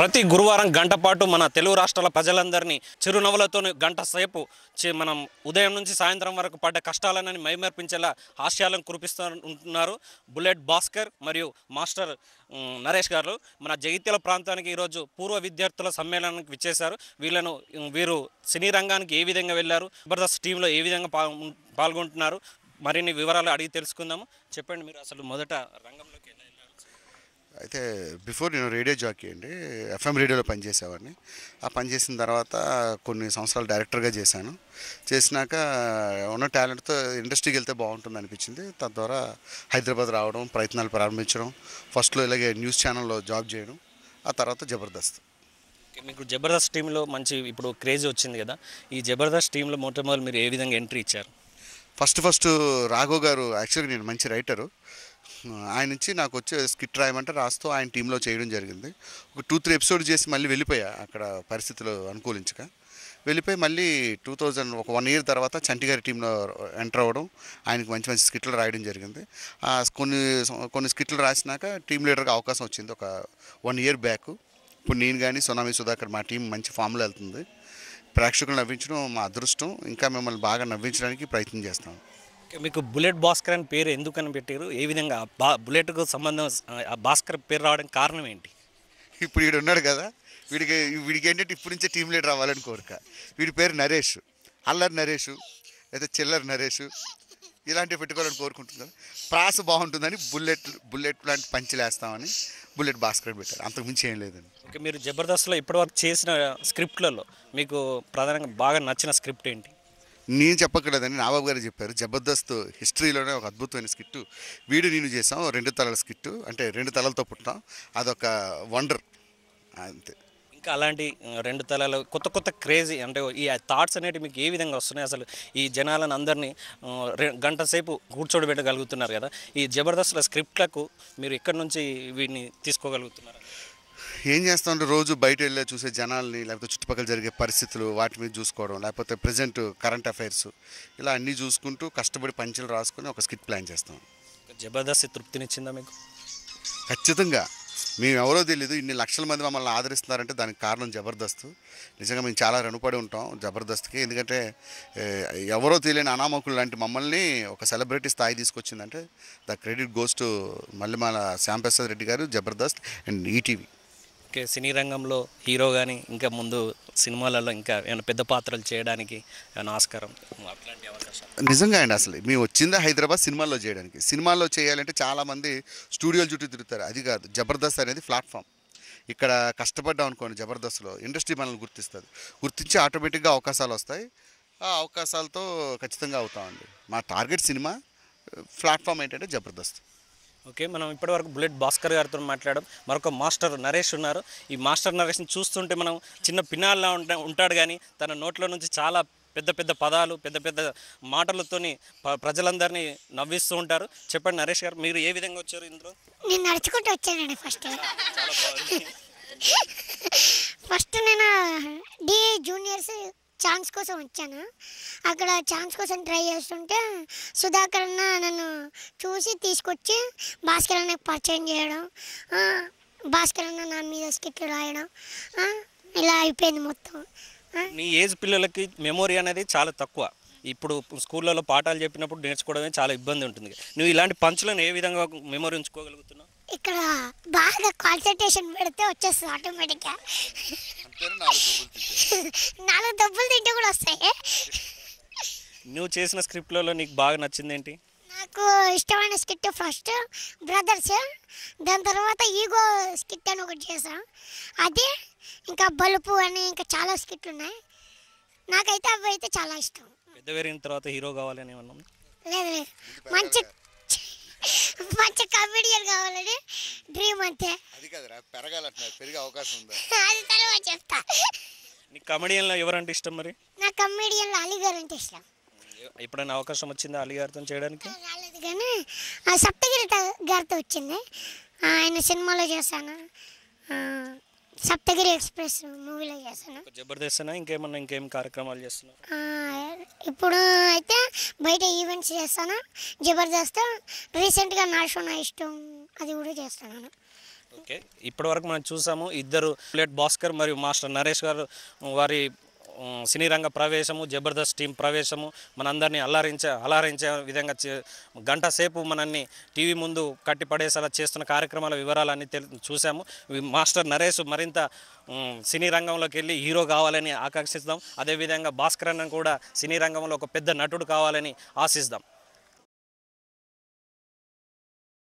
ప్రతి గురువారం గంట పాటు మన తెలుగు రాష్ట్రాల ప్రజలందరినీ చిరునవ్వులతో గంట సేపు మనం ఉదయం నుంచి సాయంత్రం వరకు పడ్డ కష్టాలని మైమర్పించేలా హాస్యాలను కురిపిస్తూ ఉంటున్నారు బుల్లెట్ భాస్కర్ మరియు మాస్టర్ నరేష్ గారు. మన జగిత్యాల ప్రాంతానికి ఈరోజు పూర్వ విద్యార్థుల సమ్మేళనానికి విచ్చేశారు. వీరు సినీ రంగానికి ఏ విధంగా వెళ్ళారు, జబర్దస్త్ టీంలో ఏ విధంగా పాల్గొంటున్నారు, మరిన్ని వివరాలు అడిగి తెలుసుకుందాము. చెప్పండి, మీరు అసలు మొదట రంగంలోకి వెళ్ళారు? అయితే బిఫోర్ నేను రేడియో జాకీ అండి, ఎఫ్ఎం రేడియోలో పనిచేసేవాడిని. ఆ పనిచేసిన తర్వాత కొన్ని సంవత్సరాలు డైరెక్టర్గా చేసినాక ఉన్న టాలెంట్తో ఇండస్ట్రీకి వెళ్తే బాగుంటుంది అనిపించింది. తద్వారా హైదరాబాద్ రావడం, ప్రయత్నాలు ప్రారంభించడం, ఫస్ట్లో ఇలాగే న్యూస్ ఛానల్లో జాబ్ చేయడం, ఆ తర్వాత జబర్దస్త్. మీకు జబర్దస్త్ టీంలో మంచి ఇప్పుడు క్రేజ్ వచ్చింది కదా, ఈ జబర్దస్త్ టీంలో మొట్టమొదటి మీరు ఏ విధంగా ఎంట్రీ ఇచ్చారు? ఫస్ట్ రాఘవ్ గారు, యాక్చువల్గా నేను మంచి రైటరు, ఆయన నుంచి నాకు వచ్చే స్కిట్ రాయమంటే రాస్తూ ఆయన టీంలో చేయడం జరిగింది. ఒక 2-3 ఎపిసోడ్ చేసి మళ్ళీ వెళ్ళిపోయా, అక్కడ పరిస్థితులు అనుకూలించక వెళ్ళిపోయి మళ్ళీ 1 ఇయర్ తర్వాత చంటి గారి టీంలో ఎంటర్ అవ్వడం, ఆయనకి మంచి మంచి స్కిట్లు రాయడం జరిగింది. కొన్ని స్కిట్లు రాసినాక టీం లీడర్గా అవకాశం వచ్చింది ఒక 1 ఇయర్ బ్యాక్. ఇప్పుడు నేను కానీ సునామీ సుధాకర్ మా టీం మంచి ఫామ్లో వెళ్తుంది. ప్రేక్షకులు నవ్వించడం మా అదృష్టం, ఇంకా మిమ్మల్ని బాగా నవ్వించడానికి ప్రయత్నం చేస్తాం. మీకు బుల్లెట్ భాస్కర్ అని పేరు ఎందుకని పెట్టారు? ఏ విధంగా బుల్లెట్కు సంబంధం ఆ భాస్కర్ పేరు రావడానికి కారణం ఏంటి? ఇప్పుడు వీడు ఉన్నాడు కదా, వీడికి ఏంటంటే ఇప్పటి నుంచే టీం లీడర్ అవ్వాలని కోరిక. వీడి పేరు నరేష్, అల్లరి నరేష్ లేదా చిల్లర నరేష్ ఇలాంటివి పెట్టుకోవాలని కోరుకుంటున్నారు. ప్రాస బాగుంటుందని బుల్లెట్ లాంటి పంచులు వేస్తామని బుల్లెట్ భాస్కర్ పెట్టారు, అంతకుమించి ఏం లేదండి. ఓకే, మీరు జబర్దస్త్లో ఇప్పటివరకు చేసిన స్క్రిప్ట్లలో మీకు ప్రధానంగా బాగా నచ్చిన స్క్రిప్ట్ ఏంటి? నేను చెప్పక్కర్లేదని నాబాబు గారు చెప్పారు. జబర్దస్త్ హిస్టరీలోనే ఒక అద్భుతమైన స్కిట్టు వీడు నేను చేసాం, 2 తలల స్కిట్టు, అంటే 2 తలలతో పుట్టాం, అదొక వండర్ అంతే. ఇంకా అలాంటి 2 తలాలు కొత్త క్రేజీ అంటే ఈ థాట్స్ అనేవి మీకు ఏ విధంగా వస్తున్నాయి? అసలు ఈ జనాలను అందరినీ గంట సేపు కూర్చోబెట్టగలుగుతున్నారు కదా, ఈ జబర్దస్త్ల స్క్రిప్ట్లకు మీరు ఎక్కడి నుంచి వీటిని తీసుకోగలుగుతున్నారు? ఏం చేస్తామంటే రోజు బయట వెళ్ళే చూసే జనాల్ని, లేకపోతే చుట్టుపక్కల జరిగే పరిస్థితులు వాటి మీద చూసుకోవడం, లేకపోతే ప్రజెంట్ కరెంట్ అఫైర్స్, ఇలా అన్నీ చూసుకుంటూ కష్టపడి పంచులు రాసుకొని ఒక స్కిట్ ప్లాన్ చేస్తాం. జబర్దస్త్ తృప్తినిచ్చిందా మీకు? ఖచ్చితంగా. మేము ఎవరో తెలియదు, ఇన్ని లక్షల మంది మమ్మల్ని ఆదరిస్తున్నారంటే దానికి కారణం జబర్దస్త్. నిజంగా మేము చాలా రుణపడి ఉంటాం జబర్దస్త్కి. ఎందుకంటే ఎవరో తెలియని అనామకులు లాంటి మమ్మల్ని ఒక సెలబ్రిటీ స్థాయి తీసుకొచ్చిందంటే the credit goes to Mallemala Shyamprasad Reddy garu, Jabardasth and ETV. Okay, సినీ రంగంలో హీరో కానీ ఇంకా ముందు సినిమాలలో ఇంకా ఏమైనా పెద్ద పాత్రలు చేయడానికి ఏమైనా ఆస్కారం, అట్లాంటి అవకాశాలు? నిజంగా అండి, అసలు మేము వచ్చిందా హైదరాబాద్ సినిమాల్లో చేయడానికి. సినిమాల్లో చేయాలంటే చాలామంది స్టూడియోల చుట్టూ తిరుగుతారు, అది కాదు. జబర్దస్త్ అనేది ప్లాట్ఫామ్. ఇక్కడ కష్టపడ్డాం అనుకోండి, జబర్దస్త్లో ఇండస్ట్రీ మనల్ని గుర్తించి ఆటోమేటిక్గా అవకాశాలు వస్తాయి. ఆ అవకాశాలతో ఖచ్చితంగా అవుతామండి. మా టార్గెట్ సినిమా, ప్లాట్ఫామ్ ఏంటంటే జబర్దస్త్. ఓకే, మనం ఇప్పటివరకు బుల్లెట్ భాస్కర్ గారితో మాట్లాడడం, మరొక మాస్టర్ నరేష్ ఉన్నారు. ఈ మాస్టర్ నరేష్ని చూస్తుంటే మనం చిన్న పిన్నాల్లా ఉంటాడు, కానీ తన నోట్లో నుంచి చాలా పెద్ద పదాలు, పెద్ద మాటలతోని ప్రజలందరినీ నవ్విస్తూ ఉంటారు. చెప్పండి నరేష్ గారు, మీరు ఏ విధంగా వచ్చారు ఇందులో? నేను నడుచుకుంటూ వచ్చానండి. ఫస్ట్ నేను డి జూనియర్స్ ఛాన్స్ కోసం వచ్చాను. అక్కడ ఛాన్స్ కోసం ట్రై చేస్తుంటే సుధాకర్ అన్న నన్ను చూసి తీసుకొచ్చి భాస్కర్ అన్నకు పరిచయం చేయడం, భాస్కర్ అన్న నా మీద స్కిట్లు రాయడం, ఇలా అయిపోయింది మొత్తం. నీ ఏజ్ పిల్లలకి మెమొరీ అనేది చాలా తక్కువ. ఇప్పుడు స్కూళ్ళలో పాఠాలు చెప్పినప్పుడు నేర్చుకోవడమే చాలా ఇబ్బంది ఉంటుంది. నువ్వు ఇలాంటి పంచులను ఏ విధంగా మెమొరీ ఉంచుకోగలుగుతున్నావు? ఇక్కడ బాగా కాన్సన్ట్రేషన్ పెడితే వచ్చేస్తుంది ఆటోమేటిక్గా. 4 దెబ్బలు తింటే కూడా వస్తాయి. నువ్వు చేసిన స్క్రిప్ట్లలో నీకు బాగా నచ్చింది ఏంటి? నాకు ఇష్టమైన స్కిట్ ఫస్ట్ బ్రదర్స్, దాని తర్వాత ఈగో స్కిట్ అని ఒకటి చేసాం, అది ఇంకా బలుపు అని ఇంకా చాలా స్కిట్లు ఉన్నాయి. నాకైతే అవి అయితే చాలా ఇష్టం. పెద్ద పెరిగిన తర్వాత హీరో కావాలని ఏమన్నా? లేదు, మంచి కామెడియన్ కావాలని డ్రీమ్ అంతే. అది కాదురా, పెరిగే అవకాశం ఉందా? అది తర్వాత చెప్తా. నీకు కమెడియన్లో ఎవరంటే ఇష్టం మరి? నా కమెడియన్లో అలీ గారు అంటే ఇష్టం. ఎప్పుడైనా అవకాశం వచ్చిందా అలీ గారితో చేయడానికి? రాలేదు, కానీ సప్తగిరి గారితో వచ్చింది. ఆయన సినిమాలో చేశాను, సప్తగిరి ఎక్స్ప్రెస్ మూవీలో చేశాను. జబర్దస్త్ ఇంకేం కార్యక్రమాలు చేస్తున్నావు? ఇప్పుడు అయితే బయట ఈవెంట్స్ చేస్తాను. జబర్దస్త్ రీసెంట్గా నా షో నా ఇష్టం అది కూడా చేస్తున్నాను. ఓకే, ఇప్పటివరకు మనం చూసాము ఇద్దరు బుల్లెట్ భాస్కర్ మరియు మాస్టర్ నరేష్ గారు వారి సినీ రంగ ప్రవేశము, జబర్దస్త్ టీం ప్రవేశము మనందరినీ అలరించే విధంగా గంట సేపు మనల్ని టీవీ ముందు కట్టిపడేసేలా చేస్తున్న కార్యక్రమాల వివరాలన్నీ చూసాము. మాస్టర్ నరేష్ మరింత సినీ రంగంలోకి వెళ్ళి హీరో కావాలని ఆకాంక్షిస్తాం. అదేవిధంగా భాస్కర్ అన్న కూడా సినీ రంగంలో ఒక పెద్ద నటుడు కావాలని ఆశిస్తాం.